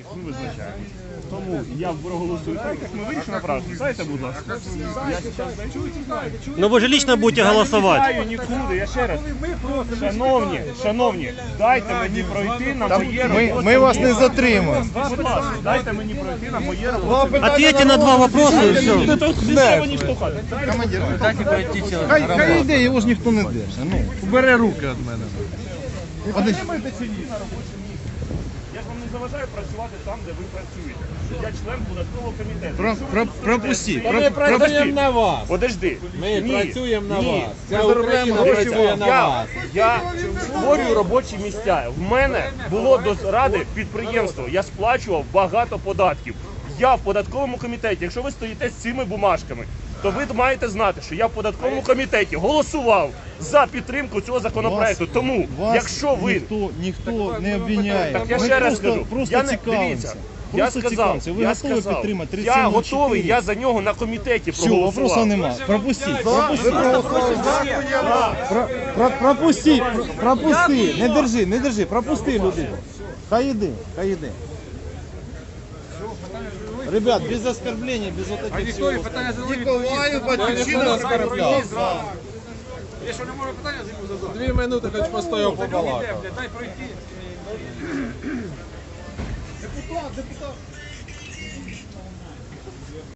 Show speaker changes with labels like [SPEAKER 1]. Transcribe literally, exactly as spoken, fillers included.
[SPEAKER 1] ми визначаємо. Тому я проголосую так, як ми вирішили правильно. Дайте, будь ласка. Я зараз даю.
[SPEAKER 2] Ну вы же лично будете голосовать.
[SPEAKER 1] Я не нікуди, я ще раз. Шановні, шановні, дайте мені пройти на моє
[SPEAKER 3] Ми,
[SPEAKER 1] робоче
[SPEAKER 3] ми вас не
[SPEAKER 1] місце.
[SPEAKER 3] затримуємо.
[SPEAKER 1] Будь ласка, дайте мені пройти на моє робоче місце.
[SPEAKER 2] Ответьте на два вопроса и все.
[SPEAKER 1] Де мені штовхати?
[SPEAKER 3] Командир, хай, хай йде, його ж ніхто не держить. Ну, убери руки від мене. Подожди.
[SPEAKER 1] Я ж вам не заважаю працювати там, де ви працюєте. Я член податкового комітету.
[SPEAKER 3] Про, про, пропусти.
[SPEAKER 1] Та
[SPEAKER 3] Про,
[SPEAKER 1] ми
[SPEAKER 3] пропусти.
[SPEAKER 4] Працюємо на вас.
[SPEAKER 1] Подожди.
[SPEAKER 4] Ми
[SPEAKER 1] Ні,
[SPEAKER 4] працюємо на
[SPEAKER 1] ні.
[SPEAKER 4] вас. Ця
[SPEAKER 3] Ми заробляємо
[SPEAKER 4] Україна
[SPEAKER 3] гроші
[SPEAKER 4] працює
[SPEAKER 3] вам.
[SPEAKER 4] на
[SPEAKER 1] Я,
[SPEAKER 4] вас.
[SPEAKER 1] я створюю робочі місця. В мене було до ради підприємство. Я сплачував багато податків. Я в податковому комітеті. Якщо ви стоїте з цими бумажками, то ви маєте знати, що я в податковому комітеті голосував за підтримку цього законопроекту.
[SPEAKER 3] Вас-
[SPEAKER 1] Тому,
[SPEAKER 3] вас
[SPEAKER 1] якщо ви...
[SPEAKER 3] ніхто, ніхто не обвиняє.
[SPEAKER 1] Так я
[SPEAKER 3] Ми
[SPEAKER 1] ще раз
[SPEAKER 3] просто,
[SPEAKER 1] скажу.
[SPEAKER 3] Просто
[SPEAKER 1] Я не,
[SPEAKER 3] цікавимося.
[SPEAKER 1] дивіться, я
[SPEAKER 3] Просто
[SPEAKER 1] сказав,
[SPEAKER 3] цікавимося. Ви
[SPEAKER 1] я
[SPEAKER 3] готові
[SPEAKER 1] сказав,
[SPEAKER 3] підтримати тридцять
[SPEAKER 1] я
[SPEAKER 3] сім на
[SPEAKER 1] готовий,
[SPEAKER 3] чотири?
[SPEAKER 1] я за нього на комітеті
[SPEAKER 3] Все,
[SPEAKER 1] проголосував.
[SPEAKER 3] вопросу нема. Пропустіть. Пропустіть. Про- про- Пропусти, про- пропусти. Не держи, не держи. Пропусти людину. Хай йде, хай йде. Ребят, без оскорбления, без вот этих всего.
[SPEAKER 5] Ніколаю Батьківщина оскорбляв.
[SPEAKER 4] Якщо не може питання, задав. Дві минути хоч постояв побалакав.
[SPEAKER 5] Дай пройти. Депутат, депутат.